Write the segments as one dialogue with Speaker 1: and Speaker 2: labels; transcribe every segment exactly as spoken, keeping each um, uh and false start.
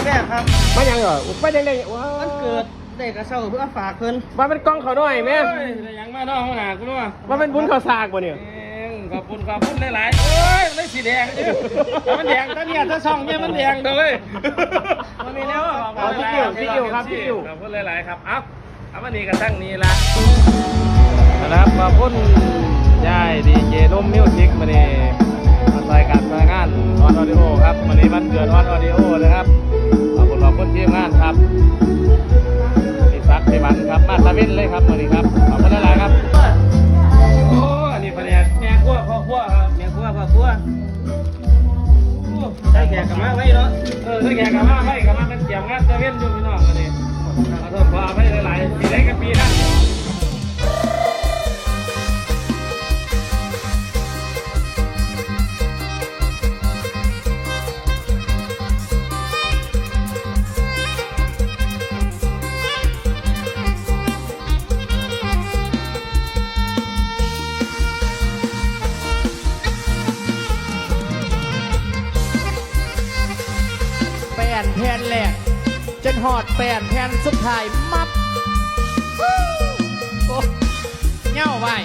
Speaker 1: แรกครับ
Speaker 2: มายังเหรอไปยังไงว้าว
Speaker 1: มันเกิดได้กระเช้าเพื่อฝากเพิ่น
Speaker 2: มาเป็นกล้องเขาหน่อยแม่
Speaker 1: ได้ยังมาน้องหนากูรู้ว่า
Speaker 2: มาเป็นบุญเขาสากบ่เนี่ย
Speaker 1: ขอบคุณขอบคุณหลายๆเอ้ยไม่สีแดงมันแดงตอนนี้ถ้าช่องเนี่ยมันแดงเลยมันมีแล้ว
Speaker 2: ขอบคุณพี่อิ๋วครับพี่อิ๋ว
Speaker 1: ขอบคุณหลายๆครับเอ้าเอาวันนี้กระทั่งนี้ละนะครับขอบคุณยายดีเจนุ่มมิวสิกมาเนี่ยมาใส่การมางานออนออดิโอครับวันนี้มันเกิดออนออดิโอนะครับขอบคุณขอบคุณทีมงานครับพี่ซักพี่บันครับมาตะวินเลยครับวันนี้ครับขอบคุณหลายๆครับโอ้อันนี้แผนกแม่ครัวพ่อครัวครับแม่ครัวพ่อครัวได้แขกกับมาไว้เนาะเออได้แขกกับมาไว้กับมาเป็นเกี่ยวงานตะวินอยู่พี่น้องวันนี้ขอโทษขออภัยหลายๆปีได้กับปีนะ
Speaker 3: แผ่นแผ่นแรกจนหอดแผ่นแผ่นสุดท้ายมับโอ้เง่าไป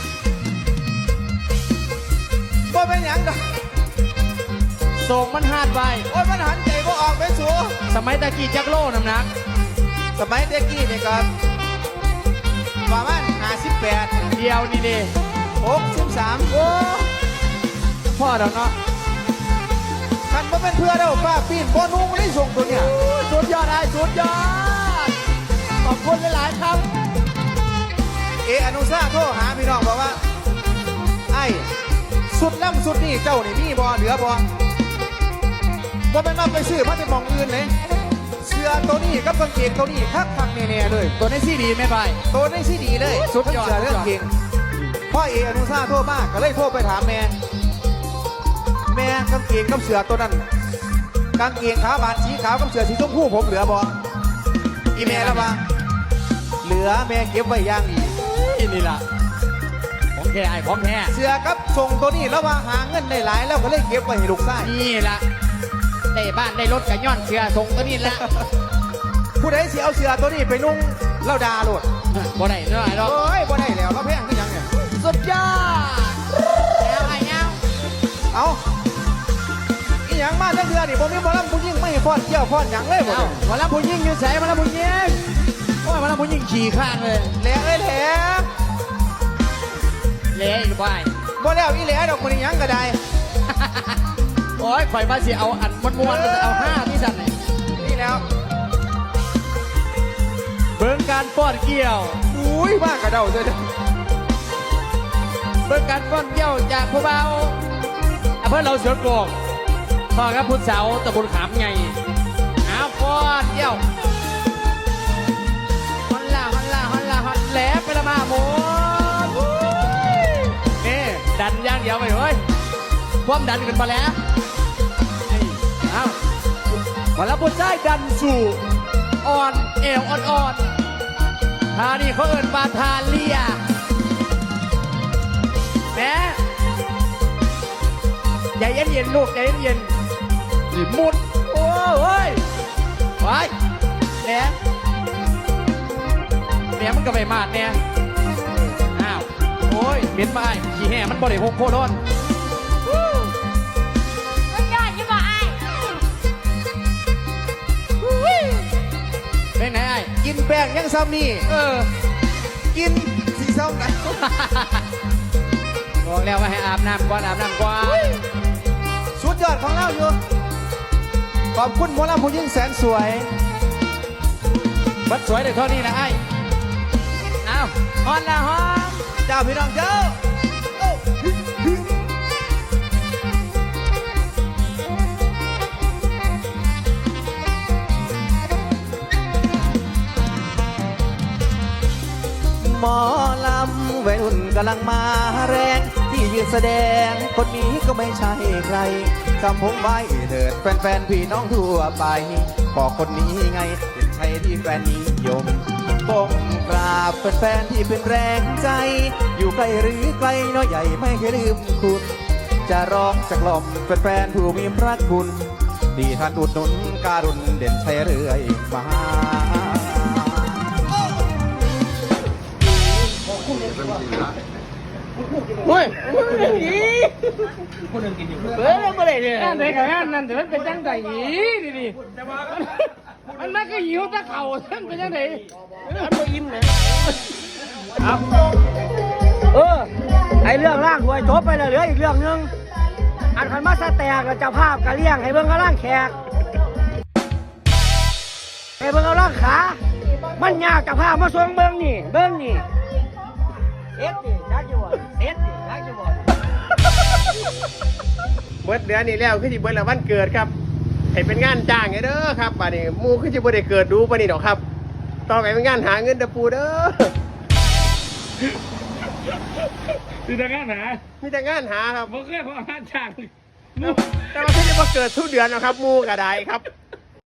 Speaker 4: บ่เป็นหยังดอก
Speaker 3: ส่งมันหาดไป
Speaker 4: โอ้ยมันหันใจบ่ออกไปสู
Speaker 3: สมัยตะกี้จักโลน้ำหนัก
Speaker 4: สมัยเด็กกี้นี่ก็ประมาณห้าสิบแปด
Speaker 3: เดียวนี่ดิ
Speaker 4: หกสิบสาม
Speaker 3: โอ้พ่อเดี๋ยวเนาะ
Speaker 4: คันบ่เป็นเพื่อเด้อป้าปีนบ่นุ่งได้ส่งตัวเนี่ย
Speaker 3: สุดยอดไอ้สุดยอดขอบคุณหลายๆครับ
Speaker 4: เออนุชาโทรหาพี่น้องบอกว่าไอ้สุดล่ำสุดนี่เจ้านี่มีบ่เหลือบ่บ่เป็นมาไปซื้อมาจะมองอื่นเลยเสื้อตัวนี้กับกางเกงตัวนี้คักคักแน่ๆเลย
Speaker 3: ตัวในซีดีไม่ไป
Speaker 4: ตัวในซีดีเลย
Speaker 3: สุดยอด
Speaker 4: เรื่องเก่งพ่อเออนุชาโทรมากก็เลยโทรไปถามแม่แม่กางเกงกับเสื้อตัวนั้นกางเกงขาบานสีขาวกับเสื้อสีชมพูผมเหลือบ่อีแม่ละบ้างเหลือแม่เก็บไว้อย่างดี
Speaker 3: นี่ล่ะของแท้ไอ้ของแท้
Speaker 4: เสื้อกับส่งตัวนี้แล้วว่าหาเงินได้หลายแล้วก็เลยเก็บไว้ให้ลูกชาย
Speaker 3: นี่ล่ะได้บ้านได้รถกับย้อนเสื้อส่งตัวนี้ละ
Speaker 4: ผู้ใดสิเอาเสื้อตัวนี้ไปนุ่งเล่าดาโลด
Speaker 3: บ่ได้เนาะไอ้ดอก
Speaker 4: โอ้ยบ่ได้แล้วเราแพงขึ้นยังเนี่ย
Speaker 3: สุดยอดแล้วไอ้เงา
Speaker 4: เอาอีหยังมาทั้งเดือนนี่ผมมีบอลลัมผู้ยิ่งไม่ฟ้อนเกี่ยวฟ้อนหยังเลยบ่
Speaker 3: บอลลัมผู้ยิ่งอยู่ใส่บอลลัมผู้ยิ่งโอ้ยบอลลัมผู้ยิ่งขี่ข้างเลย
Speaker 4: แหล่เอ้ยแหล่
Speaker 3: แหล่อีกบ่าย
Speaker 4: บ่แล้วอีแหล่ดอกมันยังก็ได้
Speaker 3: โอ้ยข่อยมาสิเอาอันม้วนๆมันจะเอาห้าที่สั่น
Speaker 4: นี่แล้ว
Speaker 3: เบิ่งการป้อนเกี่ยว
Speaker 4: อุ้ยบ้ากระเดาเลย
Speaker 3: เบิ่งการป้อนเกี่ยวจากผู้เบาเพื่อนเราเสือกงพ่อครับพุทธสาวตะบุญขามไงอ้าวป้อนเกี่ยวฮอนล่าฮอนล่าฮอนล่าฮอนแหลไปละมาหมดนี่ดันย่างเดียวไปเฮ้ยความดันขึ้นมาแล้วอ้าวมาแล้วบนได้ดันสู่อ่อนเอวอ่อนๆท่านี่เขาเอิญมาทาเลียแม่ใจเย็นเย็นลูกใจเย็นเย็นหมุดโอ้ยไว้แหนแหนมันก็ไปมาดเนี่ยอ้าวโอ้ยเหม็นไปขี้แห่มันบ่ได้หกโคโดน
Speaker 5: มันยอดยิ่งกว่าไอ้
Speaker 3: เป็นไงไอ้
Speaker 4: กินแป้งยังซ้ำนี่
Speaker 3: เออ
Speaker 4: กินสีซ้ำไหน
Speaker 3: บอกแล้วว่าให้อาบน้ำก่อนอาบน้ำก่อน
Speaker 4: สุดยอดของเราอยู่ขอบคุณหมอลำผู้ยิ่งแสนสวย
Speaker 3: บัดสวยเด็กเท่านี้นะไอ้อ้าวฮอนละฮอน
Speaker 4: เจ้าพี่น้องเจ้าหมอลำวัยรุ่นกำลังมาแรงที่ยืนแสดงคนนี้ก็ไม่ใช่ใครจำผมไว้เถิดแฟนๆพี่น้องทั่วไปบอกคนนี้ไงเป็นใช่ที่แฟนนิยมก้มกราบแฟนๆที่เป็นแรงใจอยู่ไกลหรือไกลน้อยใหญ่ไม่เคยลืมคุณจะร้องจะกล่อมแฟนๆผู้มีพระคุณที่ท่านอุดหนุนการุณเด่นชัยเรื่อยมา
Speaker 2: โอ้ยอีคนนึงกินอยู่เบ้อบ่ได้เนี่ยนั่นได้กับงานนั่นแต่มันเป็นจังไดอีนี่นี่มันมันก็หิวตะเข่าท่านเป็นจังไดมันบ่อิ่มนะเอาเออไอเรื่องร่างหวยจบไปแล้วเหลืออีกเรื่องนึงอันคันมาสแตกแล้วเจ้าภาพก็เลี้ยงให้เบิ่งกำลังแขกให้เบิ่งกำลังขามันยากเจ้าภาพมาส่งเบิ่งนี่เบิ่งนี่เอ็ดดิจักอยู่บ่เอ็ดดิจักอยู่บ่เบิดเดือนนี้แล้วคือสิเบิดแล้ววันเกิดครับให้เป็นงานจ้างไงเด้อครับบัดนี้หมู่คือสิบ่ได้เกิดดูปานนี้ดอกครับต่อไปเป็นงานหาเงินเด้อปู่เด้อ
Speaker 1: คือแต่งานหา
Speaker 2: มีแต่งานหาครับ
Speaker 1: บ่เคยพองานจ้าง
Speaker 2: แต่ว่าที่จะมาเกิดทุกเดือนนะครับหมู่ก็ได้ครับ